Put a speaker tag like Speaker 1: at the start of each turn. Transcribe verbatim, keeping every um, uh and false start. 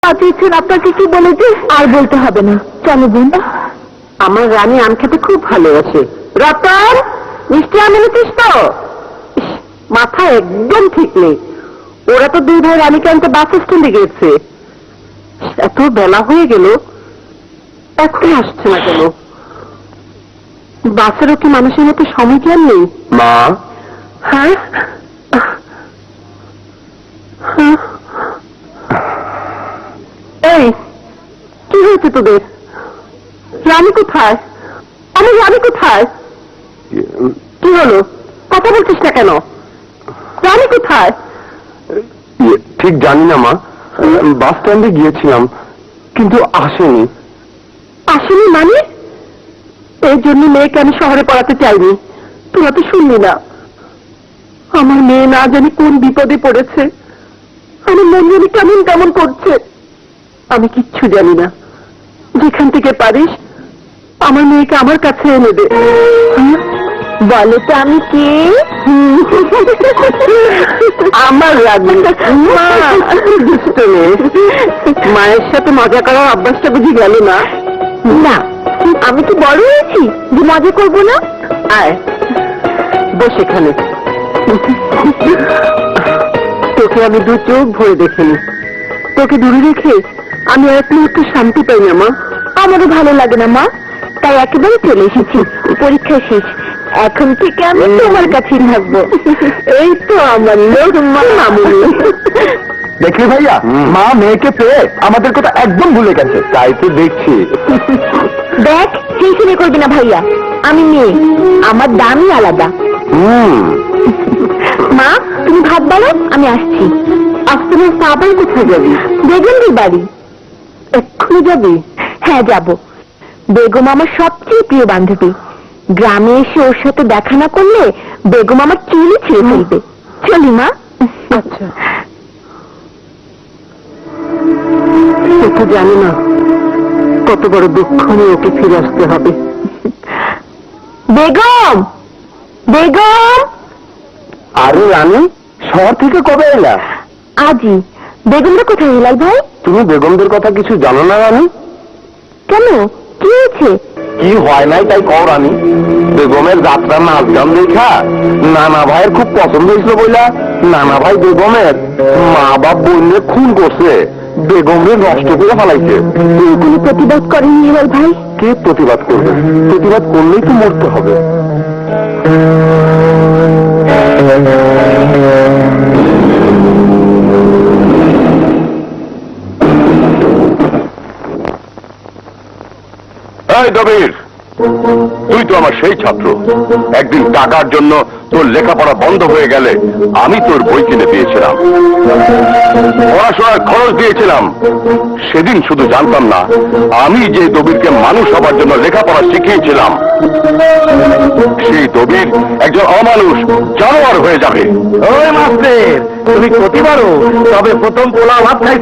Speaker 1: পাঠিয়েছেন আপনাকে কি বলেছে? আর বলতে হবে না, চলো বোন। আমার রানী আম খেতে খুব ভালোবাসে। রতন, মিষ্টি আম এনেছিস তো? মাথা একদম ঠিক নেই। ওরা তো দুই ভাই রানীকে আনতে বাস স্ট্যান্ডে গেছে। এত বেলা হয়ে গেল, এখনই আসছে না কেন? বাসেরও কি মানুষের মতো সময় জ্ঞান নেই?
Speaker 2: মা,
Speaker 1: হ্যাঁ হ্যাঁ। এই, কি হয়েছে তোদের? রানী কোথায়? আমার রানী কোথায়? কি হলো, কথা বলছিস না কেন? রানী কোথায়?
Speaker 2: ইয়ে, ঠিক জানি না মা। বাস স্ট্যান্ডে গিয়েছিলাম, কিন্তু আসেনি।
Speaker 1: আসেনি মানে? এই জন্য মেয়েকে আমি শহরে পড়াতে চাইনি। তোরা তো শুনলি না, আমার মেয়ে না জানি কোন বিপদে পড়েছে। আমার মন জানি কেমন কেমন করছে। আমি কিচ্ছু জানি না। যেখান থেকে পারিস আমার মেয়েকে আমার কাছে এনে দে। বলে তো আমি কে? আমার রানী মা। দুষ্ট মেয়ে, মায়ের সাথে মজা করার অভ্যাসটা বুঝি গেল না? না, আমি তো বড় হয়েছি যে মজা করবো না। আয় বস এখানে। তোকে আমি দু চোখ ভরে দেখিনি। তোকে দূরে রেখে আমি এক মুহূর্ত শান্তি পাই না মা। আমারও ভালো লাগে না মা, তাই একেবারে চলে এসেছি। পরীক্ষা শেষ, এখন থেকে আমি তোমার কাছেই থাকবো। এই তো আমার লোক মা মামুনি।
Speaker 2: দেখলি ভাইয়া, মা মেয়েকে পেয়ে আমাদের কথা একদম ভুলে গেছে। তাই তো দেখছি।
Speaker 1: দেখ, টেনশনে করবি না ভাইয়া, আমি মেয়ে, আমার দামই আলাদা।
Speaker 2: হুম।
Speaker 1: মা, তুমি ভাত বানাও, আমি আসছি। আসতে না আবার কোথায় যাবি? বেগমদের বাড়ি। এক্ষুনি যাবি? হ্যাঁ যাব। বেগম আমার সবচেয়ে প্রিয় বান্ধবী। গ্রামে এসে ওর সাথে দেখা না করলে বেগম আমার চুলই ছিঁড়ে ফেলবে। চলি মা। আচ্ছা। সে তো জানি না কত বড় দুঃখ নিয়ে ওকে ফিরে আসতে হবে। বেগম, বেগম।
Speaker 2: আরে রানী, শহর থেকে কবে এলা?
Speaker 1: আজই। বেগমরা কোথায় হেলাল ভাই?
Speaker 2: তুমি বেগমদের কথা কিছু জানো না রানী?
Speaker 1: কেন, কি হয়েছে?
Speaker 2: কি হয় নাই তাই কও রানী। বেগমের যাত্রা নাচ গান দেখা নানা ভাইয়ের খুব পছন্দ হয়েছিল বইলা নানা ভাই বেগমের মা বাপ বোনকে খুন করছে, বেগমের নষ্ট করে ফেলাইছে।
Speaker 1: কেউ কোনো প্রতিবাদ করেনি হেলাল ভাই?
Speaker 2: কে প্রতিবাদ করবে? প্রতিবাদ করলেই তো মরতে হবে। এই দবির, তুই তো আমার সেই ছাত্র। একদিন টাকার জন্য তোর লেখাপড়া বন্ধ হয়ে গেলে আমি তোর বই কিনে দিয়েছিলাম, পড়াশোনার খরচ দিয়েছিলাম। সেদিন শুধু জানতাম না আমি যে দবিরকে মানুষ হবার জন্য লেখাপড়া শিখিয়েছিলাম, সেই দবির একজন অমানুষ জানোয়ার হয়ে যাবে। ওই মাস্টার, তুমি প্রতিবারও তবে প্রথম পোলা ভাত খাই